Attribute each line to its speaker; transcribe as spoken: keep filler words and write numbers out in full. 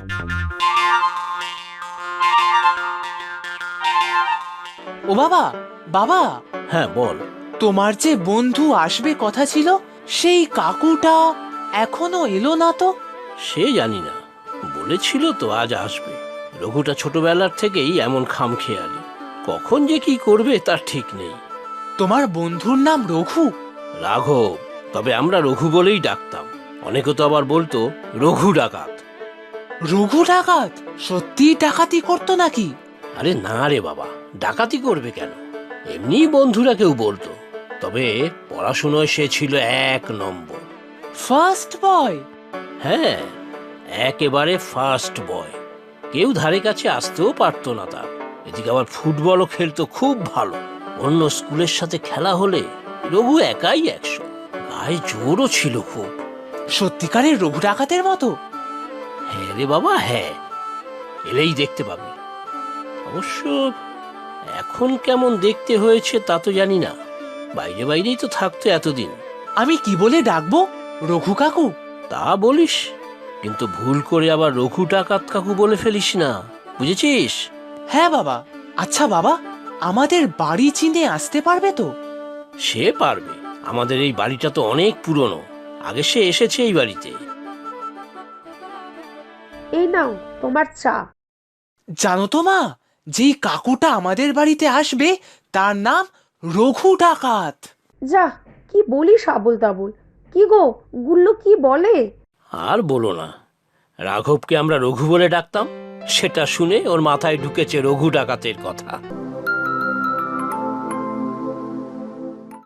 Speaker 1: ও বাবা, বাবা,
Speaker 2: হ্যাঁ বল।
Speaker 1: তোমার যে বন্ধু আসবে কথা ছিল, সেই কাকুটা এখনো এলো না তো?
Speaker 2: সে জানি না, বলেছিল তো আজ আসবে। রঘুটা ছোটবেলার থেকেই এমন খামখেয়ালি, কখন যে কি করবে তার ঠিক নেই।
Speaker 1: তোমার বন্ধুর নাম রঘু?
Speaker 2: রাঘব, তবে আমরা রঘু বলেই ডাকতাম। অনেকে তো আবার বলতো রঘু ডাকাত।
Speaker 1: রঘু ডাকাত? সত্যি ডাকাতি করতো নাকি?
Speaker 2: আরে না রে বাবা, ডাকাতি করবে কেন, এমনি বন্ধুরা কেউ বলতো। তবে পড়াশোনায় সে ছিল এক নম্বর।
Speaker 1: First boy?
Speaker 2: হ্যাঁ, একেবারে ফার্স্ট বয়। কেউ ধারে কাছে আসতেও পারতো না তার। এদিকে আবার ফুটবলও খেলতো খুব ভালো। অন্য স্কুলের সাথে খেলা হলে রঘু একাই একশো। গায়ে জোরও ছিল খুব।
Speaker 1: সত্যিকারের রঘু ডাকাতের মতো?
Speaker 2: হ্যাঁ রে বাবা, হ্যাঁ, এলেই দেখতে পাবি। অবশ্য এখন কেমন দেখতে হয়েছে তা তো জানি না, বাইরে বাইরেই তো থাকতো এতদিন।
Speaker 1: আমি কি বলে ডাকবো? রঘু কাকু?
Speaker 2: তা বলিস, কিন্তু ভুল করে আবার রঘু ডাকাত কাকু বলে ফেলিস না, বুঝেছিস?
Speaker 1: হ্যাঁ বাবা। আচ্ছা বাবা, আমাদের বাড়ি চিনে আসতে পারবে তো?
Speaker 2: সে পারবে, আমাদের এই বাড়িটা তো অনেক পুরনো, আগে সে এসেছে এই বাড়িতে।
Speaker 3: এই নাও তোমার চা।
Speaker 1: জানো তো মা, যেই কাকুটা আমাদের বাড়িতে আসবে তার নাম রঘু ডাকাত।
Speaker 3: যা, কি বলিস আবোল তাবোল। কি গো, গুল্লু কি বলে?
Speaker 2: আর বলো না, রাঘবকে আমরা রঘু বলে ডাকতাম, সেটা শুনে ওর মাথায় ঢুকেছে রঘু ডাকাতের কথা।